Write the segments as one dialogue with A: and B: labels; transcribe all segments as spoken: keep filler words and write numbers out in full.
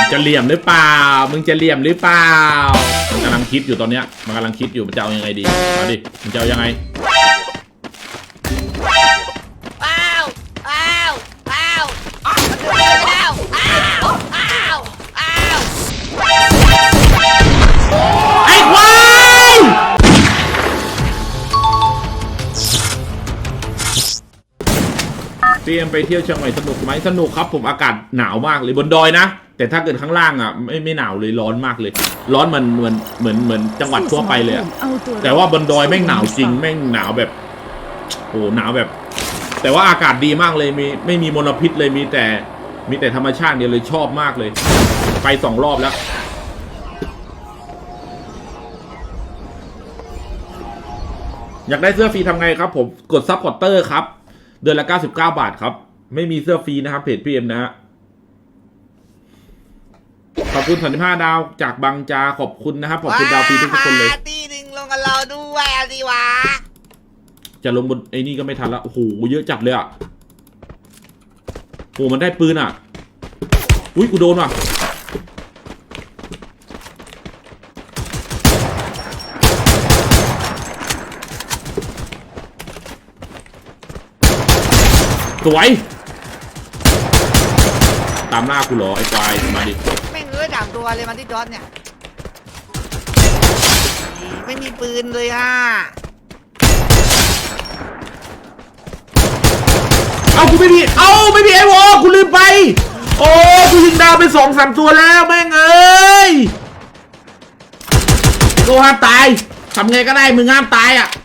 A: จะเหลี่ยมหรือเปล่ามึงจะเหลี่ยมหรือเปล่ามันกำลังคิดอยู่ตอนเนี้ยมันกำลังคิดอยู่มันจะเอายังไงดีมาดิมันจะเอายังไง
B: อ้าวอ้าวอ้าวอ้าวอ้าวอ้าวอ้าว
A: ไอ้ควายเตรียมไปเที่ยวเชียงใหม่สนุกไหมสนุกครับผมอากาศหนาวมากเลยบนดอยนะแต่ถ้าเกิดข้างล่างอ่ะไม่ไม่หนาวเลยร้อนมากเลยร้อนมันเหมือนเหมือนเหมือนจังหวัดทั่วไปเลยอะแต่ว่าบนดอยแม่งหนาวจริงแม่งหนาวแบบโอ้หนาวแบบแต่ว่าอากาศดีมากเลยมีไม่มีมลพิษเลยมีแต่มีแต่ธรรมชาติเดียวเลยชอบมากเลยไปสองรอบแล้วอยากได้เสื้อฟรีทำไงครับผมกดซัพพอร์เตอร์ครับเดือนละเก้าสิบเก้าบาทครับไม่มีเสื้อฟรีนะครับเพจพีเอ็มนะฮะขอบคุณสามสิบห้าดาวจากบางจาขอบคุณนะครับขอบคุณดาวฟรีทุกคนเลย
B: ตีหนึ่งลงกับเราด้วยสิวะ
A: จะลงบนไอ้นี่ก็ไม่ทันละโอ้โหเยอะจัดเลยอ่ะโอ้มันได้ปืนอ่ะอุ้ยกูโดนว่ะสวยตามหน้ากูเหรอไอ้ควายมาดิ
B: ไม่เงื้อสามตัวเลยมันที่ดอทเนี่ยไม่มีปืนเลยอ่ะ
A: เอากูไม่มีเอาไม่มีไอ้วอกูลืมไปโอ้กูยิงดาวไปสองสามตัวแล้วแม่งเอ้ยโกห้ามตายทำไงก็ได้มึงห้ามตายอ่ะ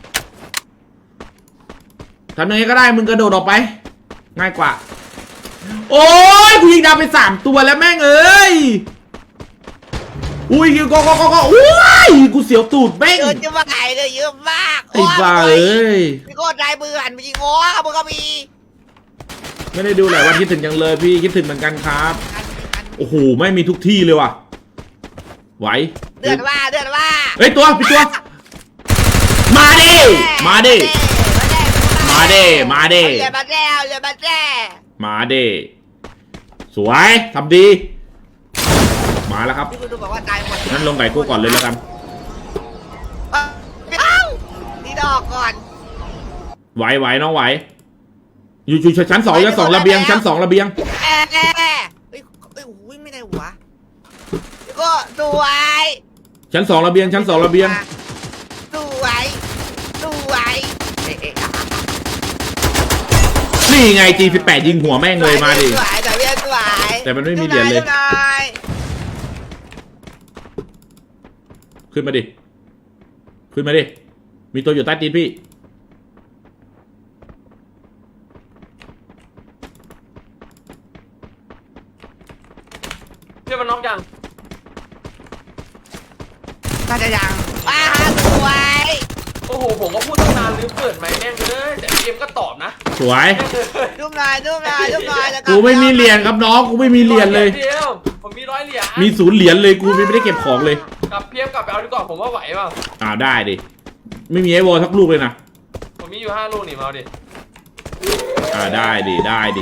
A: ทำไงก็ได้มึงกระโดดออกไปง่ายกว่าโอ้ยกูยิงดาวไปสามตัวแล้วแม่งเอ้ยอุ้ยคิวก็ก็ก็ก็อุ้ยกูเสียวตูดแม่ง
B: เยอะจะมาไงเลยเยอะมาก
A: ไอ้บ้าเอ้ย
B: พี่โคตรใจมือหันไปยิงง้อมึงก็มี
A: ไม่ได้ดูหลายวันคิดถึงจังเลยพี่คิดถึงเหมือนกันครับโอ้โหไม่มีทุกที่เลยว่ะไหว
B: เดือดว่าเดือดว่า
A: เฮ้ยตัวพี่ตัวมาดิมาดิมาดิมาดิ
B: เรือมาแล้วเรือมาแล้ว
A: มาดิสวยทำดีมาแล้วครับนั่นลงไก่กู้ก่อนเลยแล้วกัน
B: นี่ดอกก่อน
A: ไหวไหวน้องไหวอยู่อยู่ชั้นสองชั้นสองระเบียงชั้นสองระเบียง
B: แอะแอะเฮ้ยเฮ้ยอุ้ยไม่ได้หัวก็สวย
A: ชั้นสองระเบียงชั้นสองระเบียง
B: สวยสวย
A: นี่ไง จี สิบแปด ยิงหัวแม่งเลยมาดิ
B: สวยแต่เวียนสวย
A: แต่มันไม่มีเหรียญเลยขึ้นมาดิขึ้นมาดิมีตัวอยู่ใต้ตีนพี่
C: เพื่อนมันน็อกยัง
B: น่าจะยังว้าสวย
C: โอ้โหผมก็พูดตั้งนานลืมเปิดไมค์แม่งเลยแต่เกมก็ตอบนะ
A: สวย
B: ดูหน่อยดูหน่อยดูหน่อย
A: กูไม่มีเหรียญครับน้องกูไม่มีเหรียญเลย
C: เดียวผมมีร้อยเหรียญ
A: มีศูนย์เหรียญเลยกูไม่ได้เก็บของเลย
C: กลับเพียมกลับไปเอาดีกว่าผมว่าไหวเปล่า
A: อ่าได้ดิไม่มีไอวอลสักลูกเลยนะ
C: ผมมีอยู่ห้าลูกนี่มาดิ
A: อ่าได้ดิได้ดิ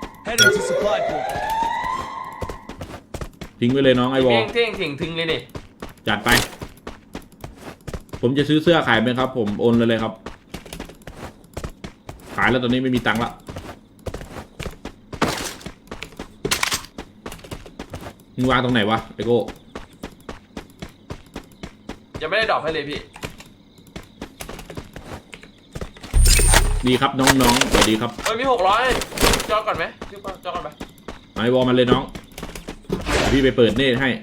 A: ทิ้งไว้เลยน้องไอวอล
C: เท่งเท่งทิ้งเลยนี่
A: จัดไปผมจะซื้อเสื้อขายไหมครับผมโอนเลยเลยครับขายแล้วตอนนี้ไม่มีตังค์ละมึงวางตรงไหนวะไอโก้
C: ยังไม่ได้ดอกให้เลยพี่
A: ดีครับน้องๆสวัสดีครับ
C: เฮ้ยมีหกร้อยจอก่อนไหมจอก่อนไป
A: ไอวอลมันเลยน้องพี่ไปเปิดเนตให้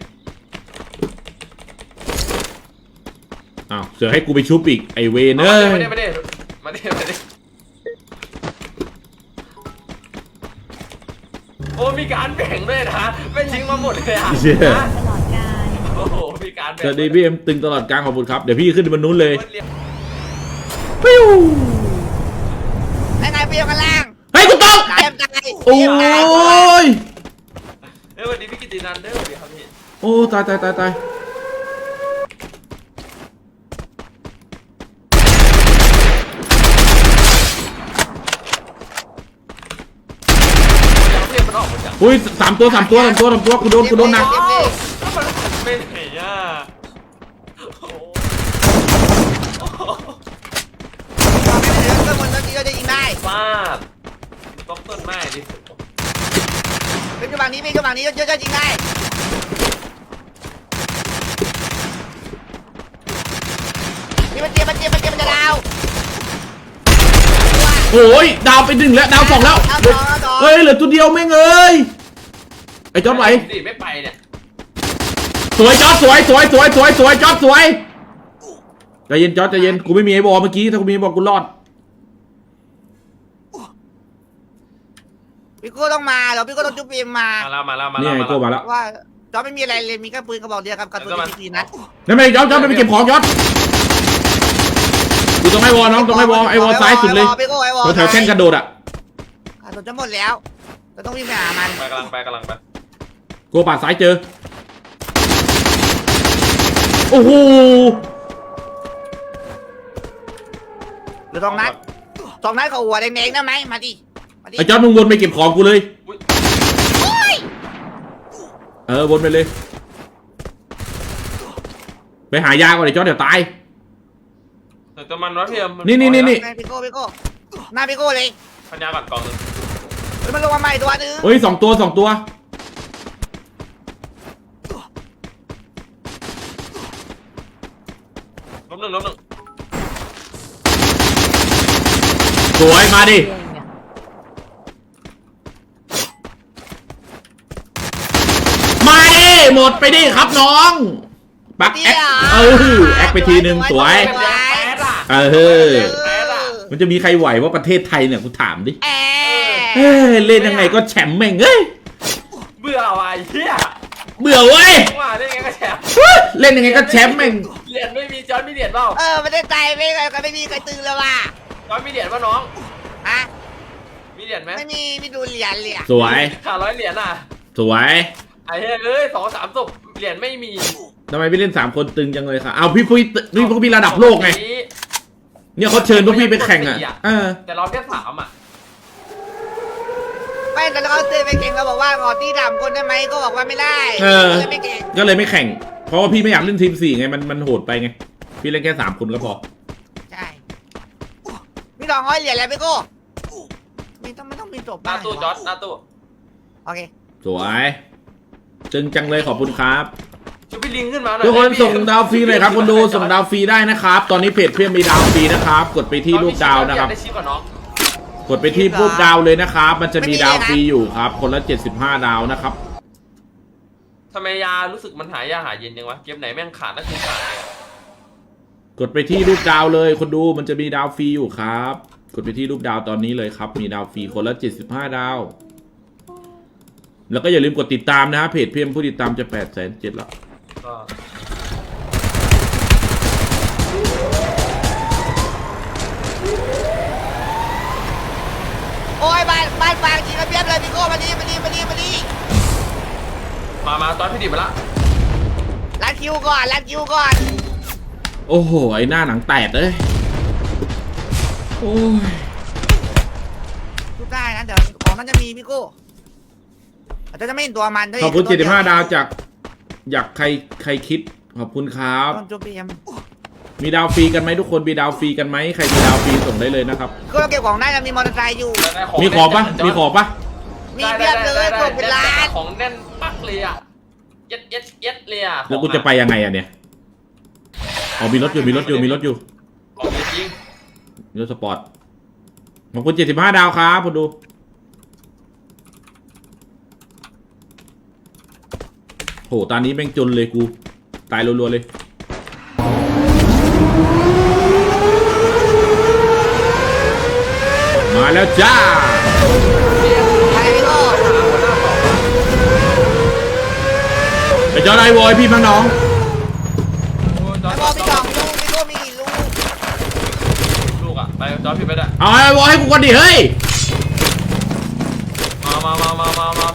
A: อ้าวเสือให้กูไปชุบอีกไอเวนเอ้ย
C: มาดิมาดิมาดิมาดิโอ้มีการแบ่งด้วยนะไม่ทิ้งมาหมดเลยอ่ะตลอดกาลโอ้โหมีการแบ่ง
A: สวัสดีพี่เอ็มตึงตลอดการขอบคุณครับเดี๋ยวพี่ขึ้นบนนู้นเลยปิ้ว
B: ไอ้ไงเปียกันล่าง
A: เฮ้ยกูตกโอ้ย
C: เฮ้ยวันนี้พี่กิตินันเด้อสวัสดีครับพี่
A: โอ้ตายตายตายตาย
C: มันออกมาจาก
A: อุ้ยสามตัวสามตัวสามตัวสามตัวกูโดนกูโดนหนัก
C: ว้าวมันไปไหนอ่ะโอ้โห
B: เราไม่ได้เหลือเครื่องบนรถนี้เราจะยิงได้
C: ฟาดต้องต้นไม้ดิ
B: เป็นกระบังนี้เป็นกระบังนี้เยอะๆยิงได้นี่มันเจ็บมันเจ็บมันเจ็บมันจะดาว
A: โอ้ยดาวไปหนึ่งแล้วดาวสองแล้วเฮ้ยเหลือตัวเดียวแม่งเอ้ยไอ้จอดไหว
C: ดิไม่ไปเนี่ย
A: สวยจอดสวยสวยสวยสวยสวยจอดสวยใจเย็นจอดใจเย็นกูไม่มีไอ้บอลเมื่อกี้ถ้ากูมีไอ้บอลกูรอด
B: พี่โก้ต้องมาเหรอพี่โก้ต้องจุ๊บเอ็มมา
C: มาแล้วมาแล้วมา
A: นี่
C: แล้ว
A: ไอ้โก้มาแล้ว
B: ว่าจอไม่มีอะไรเลยมีแค่ปืนกระบอกเดียวกับกระสุนที่สี่นัด
A: นั่นไม่จอดจอดไม่ไปเก็บของจอดอยู่ตรงไอ้วอลน้องตรงไอ้วอลไอ้วอลซ้ายสุดเลย
B: พี่โก้ไอ้วอล
A: แถวแท่นกระโดดอ่ะ
B: กระสุนจะหมดแล้วเราต้องวิ่งไปหามัน
C: ไปกำลังไปกำลังไป
A: โกปาดซ้ายเจอโอ้โห
B: หรือสองนัดสองนัดเขาหัวแดงๆได้ไหมมาดิมาดิ
A: ไอ้จอดมึงวนไปเก็บของกูเลย
B: โอ้ย
A: เออวนไปเลย ไปหายาก่อนไอ้จอดเดี๋ยวตาย
C: แต่ตัวมันวะเทียม
A: นี่นี่นี่นี่
B: พี่โก้พี่โก้หน้าพี่โก้เลย
C: พันยาก่อนกองหนึ่ง
B: เฮ้ยมันลงมาใหม่ตัวนึง
A: เฮ้ยสองตัวสองตัว
C: ล้มหนึ่งล้มหนึ่ง
A: สวยมาดิมาดิหมดไปดิครับน้องปักแอคเออแอคไปทีหนึ่งสวย
C: แป๊ดอ่ะ
A: เออ
C: แป๊ดอ่ะ
A: มันจะมีใครไหวว่าประเทศไทยเนี่ยกูถามดิ
B: แอ
A: เฮ้ยเล่นยังไงก็แชมป์แม่งเอ้ย
C: เบื่อว่ะไอ้เหี้ย
A: เบื่อเว้ย
C: ว่าเล่นไงก็แชมป์
A: เล่นยังไงก็แชมป์แม่ง
C: เหรียญไม่มีจอร์ดมีเหรียญเปล่า
B: เออไม่ได้ใจไม่ก็ไม่มีใครตื่นเลยว่ะ
C: จอร์ดมีเหรียญป่ะน้อง
B: ฮะ
C: มีเหรียญไหม
B: ไม่มีไม่ดูเหรียญเลยอะ
A: สวย
C: ขาดร้อยเหรียญอ่ะ
A: สวย
C: ไอ้เฮ้ยเอ้ยสองสามศพเหรียญไม่มี
A: ทำไมไม่เล่นสามคนตึงจังเลยค่ะเอาพี่พี่พี่พวกพี่ระดับโลกไงเนี่ยเขาเชิญพวกพี่ไปแข่งอ่ะเออ
C: แต่เราแค่สามอ่ะ
B: ไม่แต่เราเตือนไปเก่งเราบอกว่าขอที่ดำคนได้ไหมก็บอกว่าไม่ได้
A: เออ
B: เลยไม่เก่ง
A: ก็เลยไม่แข่ง เพราะว่าพี่ไม่อยากเล่นทีมสี่ไงมันมันโหดไปไงพี่เล่นแค่สามคนก็พอ
B: ใช่มีสองร้อยเหรียญแล้วพี่โก้มีต้องไม่ต้องมีจบ
C: หน้าตู้จอร์ดหน้าตู้
B: โอเค
A: สวยจึงจังเลยขอบคุณครับ
C: ช่วยพี่ลิงขึ้นมาหน่อย
A: ทุกคนส่งดาวฟรีเลยครับคนดูส่งดาวฟรีได้นะครับ ตอนนี้เพจเพื่อนมีดาวฟรีนะครับ กดไปที่รูปดาวนะครับ
C: ได้ชิปก่อนน้อง
A: กดไปที่รูปดาวเลยนะครับ มันจะมีดาวฟรีอยู่ครับ คนละเจ็ดสิบห้าดาวนะครับ
C: ทำไมยารู้สึกมันหายาหาเย็นยังวะเกมไหนแม่งขาดนั่นคือขาดเลยอะ
A: กดไปที่รูปดาวเลยคนดูมันจะมีดาวฟรีอยู่ครับ กดไปที่รูปดาวตอนนี้เลยครับ มีดาวฟรีคนละเจ็ดสิบห้าดาว แล้วก็อย่าลืมกดติดตามนะฮะเพจเพียมผู้ติดตามจะแปดแสนเจ็ดแล้ว
C: ก็
B: โอ้ยบ้านบ้านฟางจริงระเบียบเลยพี่โก้มาดีมาดีมาดีมาดี
C: มามาตอนพี่ดิบมาละ
B: รัดคิวก่อนรัดคิวก่อน
A: โอ้โหไอหน้าหนังแตกเลยโอ้ย
B: ทุกได้นะเดี๋ยวของมันจะมีพี่โก้อาจจะไม่เห็นตัวมันด้วย
A: ขอบคุณเจ็ดสิบห้าดาวจากอยากใครใครคิดขอบคุณครับ
B: ต้นจุ๊บเบียม
A: มีดาวฟรีกันไหมทุกคนมีดาวฟรีกันไหมใครมีดาวฟรีส่งได้เลยนะครับ
B: ก็เก็บของได้จะมีมอเตอร์ไซค์อยู่
C: ได้
A: มีของปะมีของปะ
B: มีเพียบเลยกดเป็นล้าน
C: ของแน่นปักเลยอ่ะเย็ดเย็ดเย็ดเลยอ่ะ
A: แล้วกูจะไปยังไงอะเนี่ยอ๋อมีรถอยู่มีรถอยู่มีรถอยู่
C: ของจริง
A: รถสปอร์ตขอบคุณเจ็ดสิบห้าดาวครับคุณดูโหตอนนี้แม่งจนเลยกูตายรัวๆเลยมาแล้วจ้า
B: ใครพี่โก้
A: ไอ้จอร์ไอวอยพี่มั้งน้อง
C: โอ้ยจอ
B: ไอ้
C: ร์
B: บอล
C: จ
B: พี่
C: อ
B: จ
C: ร์
B: องลูกพี่โก้มีกี่ลูก
C: ลูกอ่ะไปจอร์จพี่ไปได้
A: เอาไอ้วอยให้กูก่อนดิเฮ้ย
C: มามามามามามา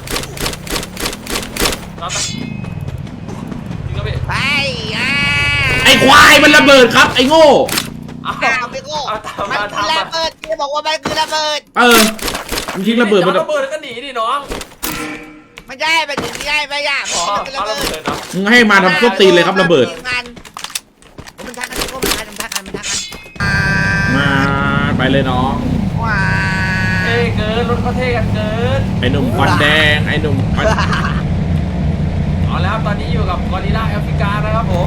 C: จอร์จจริงครับพี่
B: ไปอ่า
A: ไอ้ควายมันระเบิดครับไอ้โง่
C: อ้าว
B: อ้าวพี่โก้
C: เอาตาม
B: มัน
C: มา
B: คื
C: ตา
B: อ
C: ม
B: ระ
C: มา
B: เบิดพี่บอกว่ามันคือระเบิด
A: เออมันทิ้งระเบิดมัน
C: ระเบิดแล้วก็หนีดิน้อง
B: ไม่ใช่ไปถึงไม่ได้ไม่ยาก
C: อ๋อ
B: มันเป็น
C: เอา
B: ระ
C: ระ
B: เบิ
C: เบิ
B: ด
C: ดเนาะ
A: มึงให้มาทำส้นตีนเลยครับระเบิด
B: มันมันทักกันทุกคนมันทักกันมันทักกันมันทักกัน
A: มาไปเลยน้อง
B: ว้า
C: เท่เกินรถเขาเท่กันเกิน
A: ไอ้หนุ่มควันแดงไอ้หนุ่มควัน
C: เอาแล้วตอนนี้อยู่กับกอริลลาแอฟริกานะครับผม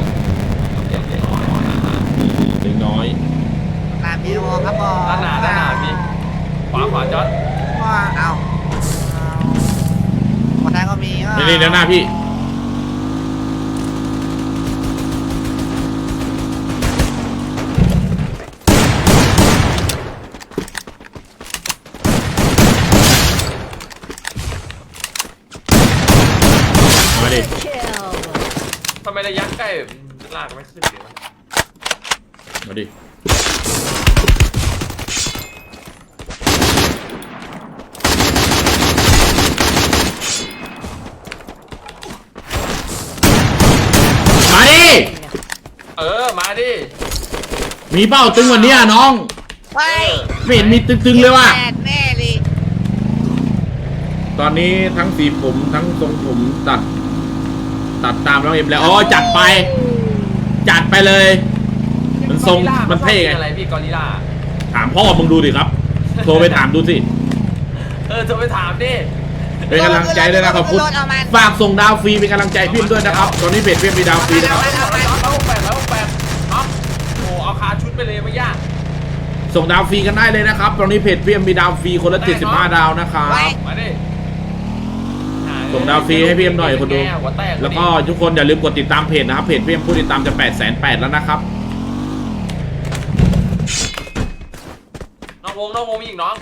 A: เล็กน้อย
B: ตามพี่โมครับผม
C: ด้านหน้าด้านหน้าพี่ขวาขวาจอด
B: ว้าเอาคนไทยก็มี
A: นี่นี่ด้านหน้าพี่มาดิ
C: ทำไมระยะใกล้ลากไม่ขึ้นเลยวะ
A: มาดิมาดิ
C: เออมาดิ
A: มีเป้าตึงกวันนี้น้อง
B: ไป
A: ไม่เห็นมีตึงๆเลยว่ะ
B: แปดแน่เลย
A: ตอนนี้ทั้งสีผมทั้งทรงผมตัด ตัดตามน้องเอ็มแล้วอ๋อจัดไป จัดไปเลย มันทรงมันเท่ไง
C: อะไรพี่กอริลลา
A: ถามพ่อมึงดูดิครับ โทรไปถามดูสิ
C: เออจะไปถามดิ
A: เป็นกำลังใจด้วยนะขอบคุณฝากส่งดาวฟรีเป็นกำลังใจพี่ด้วยนะครับ ตอนนี้เพจเพียมีดาวฟรีนะครับ
C: ร้อยหกแปดร้อยหกแปดน็อกโอ้เอาคาชุดไปเลยไม่ยาก
A: ส่งดาวฟรีกันได้เลยนะครับ ตอนนี้เพจเพียมีดาวฟรีคนละเจ็ดสิบห้าดาวนะครับ
C: มาดิ
A: ส่งดาวฟรีให้พี่เอ็มหน่อยคนดู
C: หัวแตก
A: แล้วก็ทุกคนอย่าลืมกดติดตามเพจนะครับ เพจพี่เอ็มผู้ติดตามจะแปดแสนแปดแล้วนะครับ
C: น้องวงน้องวงมีอีกน้อง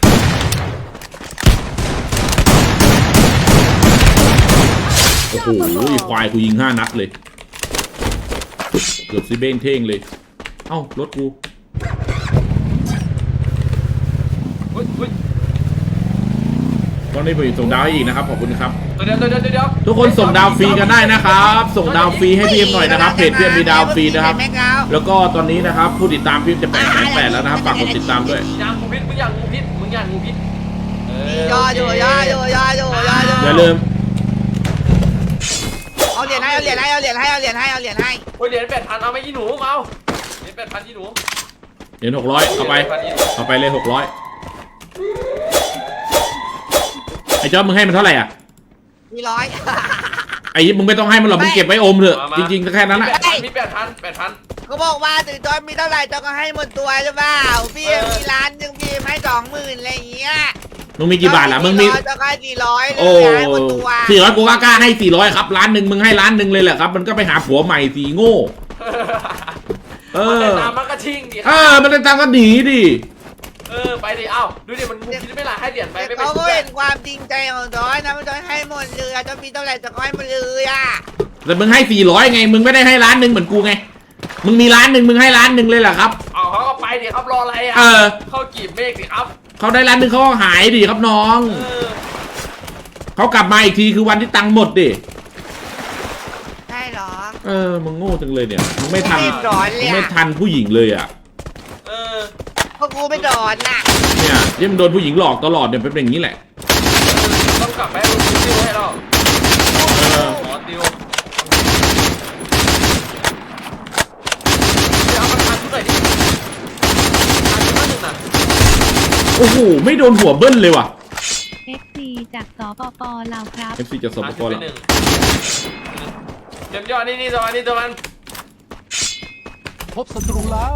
A: โอ้โหควายกูยิงห้านัดเลย เกือบซิเบ้งเท่งเลย เอ้ารถกู
C: อุ้ยอุ้ย
A: ตอนนี้ผมส่งดาวให้อีกนะครับขอบคุณครับ
C: ตัวเดียวตัวเดียวตัวเดียว
A: ทุกคนส่งดาวฟรีกันได้นะครับ ส่งดาวฟรีให้พี่เอ็มหน่อยนะครับ เพจพี่เอ็มมีดาวฟรีนะครับ แล้วก็ตอนนี้นะครับผู้ติดตามพี่เอ็มจะแปดแสนแปดแล้วนะครับฝากกดติดตามด้วย
C: ยางงูพิษมึงอยางงูพิษมึงอยางงูพิษเออย
B: ออยู่ยออยู่ยออยู่ยออยู่
A: อย่าลืม
B: เอาเหรียญให้เอาเหรียญให้เอาเหรียญให้เอาเหรียญให้เอาเหรียญให้
C: โอ้ยเหรียญแปดพันเอาไหมอีหนูเอาเหรียญแปดพันอีหนู
A: เหรียญหกร้อยเอาไป เอาไปเลยหกร้อยไอ้จอร์จมึงให้มันเท่าไหร่อ่ะ
B: มีร้อย
A: ไอ้ยิปมึงไม่ต้องให้มันหรอกมึงเก็บไว้อมเถอะจริงๆก็แค่นั้นแหละ
C: มีแปดพันแปดพัน
B: ก็บอกว่าถึงจอยมีเท่าไหร่จอยก็ให้หมดตัวใช่เปล่าพี่มีล้านหนึ่งพี่ให้สองหมื่นอะไรอย่างเงี้ย
A: มึงมีกี่บาทล่ะมึงมี
B: จอยก็ให้สี่ร้อยเล
A: โอ้
B: ยให้หมดตัว
A: สี่ร้อยกูก็กล้าให้สี่ร้อยครับล้านหนึ่งมึงให้ล้านหนึ่งเลยแหละครับมันก็ไปหาผัวใหม่สีโง่เอ
C: มัน
A: อ
C: แต่ตามมันก็ชิงดิ
A: เออมันจะตามก็หนีดิ
C: เออไปดิเอ้าดูดิมันงูพิษไม่ละให้เหรียญไปไม่ไป
B: เขา
C: ชุ
B: ก็
C: บ
B: เห็นความจริงใจของจอยนะมันจอยให้หมดเลยจอยมีเท่าไหร่จอยก็ให้หมดเลยอ่ะ
A: แต่มึงให้สี่ร้อยไงมึงไม่ได้ให้ล้านหนึ่งเหมือนกูไงมึงมีล้านหนึ่งมึงให้ล้านหนึ่งเลยเหรอครับ
C: เอาเขาก็ไปดิครับรออะไรอ่ะ
A: เออ
C: เข้ากีบเมฆดิครับ
A: เขาได้ล้านหนึ่งเขาก็หายดิครับน้อง
C: เออ
A: เขากลับมาอีกทีคือวันที่ตังค์หมดดิ
B: ใช่เหรอ
A: เออมึงโง่จังเลยเนี่ยมึงไม่ทัน
B: ไม่ร้อนเล
A: มึ
B: ย
A: ง
B: อะ
A: ไม่ทันผู้หญิงเลยอ่ะ
C: เออ
B: เพราะกูไม่โดนน่ะ
A: เนี่ยที่มันโดนผู้หญิงหลอกตลอดเนี่ยเป็นอย่างนี้แหละ
C: ต้องกลับไปให้ลูกติวให้เรา
A: เออ
C: ขอติวเดี๋ยวเอามาทานชุดหน่อยดิทานชุดละหนึ่งน่ะ
A: โอ้โหไม่โดนหัวเบิ้ลเลยว่ะ
D: เอฟ ซี จากสปปลาวครับ
A: เอฟซีจะสม
C: ทาน
A: ก
C: ชุด
A: ร
C: ไป
A: แล้ว
C: หนึ่งเต็มยอดนี่นี่ตัวมันนี่ตัวมัน
E: พบศัตรูแล้ว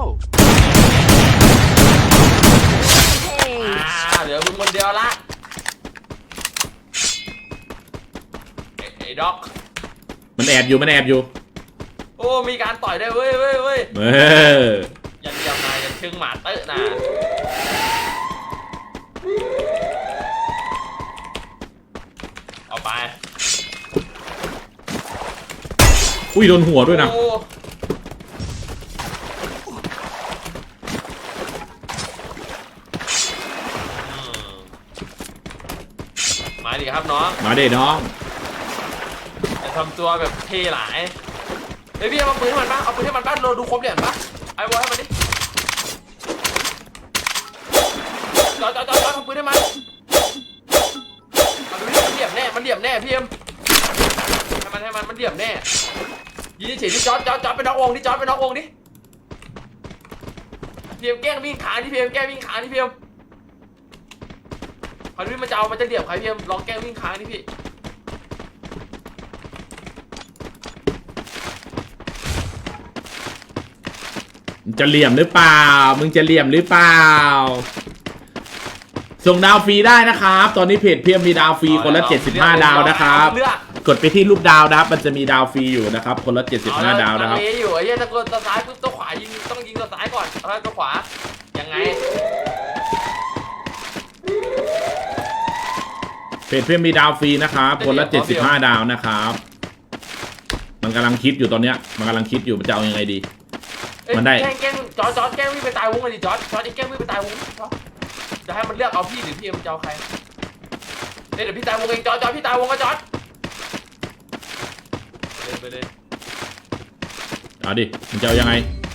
C: อ่าเหลือมึงคนเดียวละไอ้ไอ้ด็อก
A: มันแอบอยู่มันแอบอยู่
C: โอ้มีการต่อยได้วยเว้ยเว้ยเว้ย
A: เออ
C: ยันเดียมนายยันเชิงหมาเตอะนะเอาไป
A: อุ้ยโดนหัวด้วยนะ
C: โอ้อืมมาดิครับน้อง
A: มาเด้น้อง
C: จะทำตัวแบบเท่หลายเฮ้ยพี่เอาปืนให้มันปะเอาปืนให้มันปะเราดูครบเหรียญปะไอ้บอลให้มันดิจอดจอดจอดจอดเอาปืนให้มันเอาดูดิมันเหลี่ยมแน่มันมันเหลี่ยมแน่พี่เอ็มให้มันให้มันมันเหลี่ยมแน่ยิงเฉยๆที่จอดจอดจอดไปน็อกวงดิจอดไปน็อกวงดิพี่เอ็มแกล้งวิ่งขาที่พี่เอ็มแกล้งวิ่งขาที่พี่เอ็มคราวนี้มันจะเอามันจะเหลี่ยมใครพี่เอ็มลองแกล้งวิ่งขาที่พี่
A: จะเหลี่ยมหรือเปล่ามึงจะเหลี่ยมหรือเปล่าส่งดาวฟรีได้นะครับตอนนี้เพจเพียมมีดาวฟรีคนละเจ็ดสิบห้าดาวนะครับกดไปที่รูปดาวนะครับมันจะมีดาวฟรีอยู่นะครับคนละเจ็ดสิบห้าดาวนะครับ
C: เออยู่ไอ้เหี้ยตะโกนตัวซ้ายปุ๊บตัวขวายิงต้องยิงตัวซ้ายก่อนแล้วตัวขวายังไง
A: เพจเพียมมีดาวฟรีนะครับคนละเจ็ดสิบห้าดาวนะครับมันกำลังคิดอยู่ตอนเนี้ยมันกำลังคิดอยู่มันจะเอายังไงดีมันได้
C: แกล้งแกล้งจอดจอดแกล้งวิ่งไปตายวงเลยดิจอดจอดไอ้แกล้งวิ่งไปตายวงจะให้มันเลือกเอาพี่หรือพี่มันจะเอาใครเดี๋ยวพี่ตายวงเองจอดจอดพี่ตายวงก็จอดไปเลย
A: เอาดิมันจะเอายังไง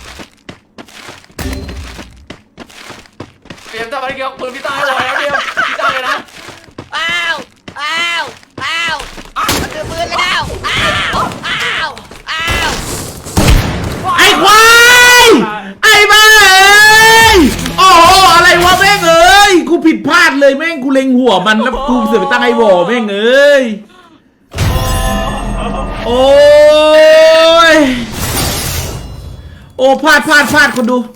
C: เตรียมทำอะไรเกี่ยวกับปืนพี่ตายเลยนะเดียวพี่ตายเลยนะ
B: อ้าวอ้าวอ้าวมันถือปืนแล้วอ้าวอ้าวอ้าว
A: ไอ้ควายไอ้บ้าเอ้ยโอ้โหอะไรวะแม่งเอ้ยกูผิดพลาดเลยแม่งกูเล็งหัวมันแล้วกูเสือกไปตั้งไอ้วอแม่งเอ้ยโอ้ยโอ้พลาดพลาดพลาดคนดู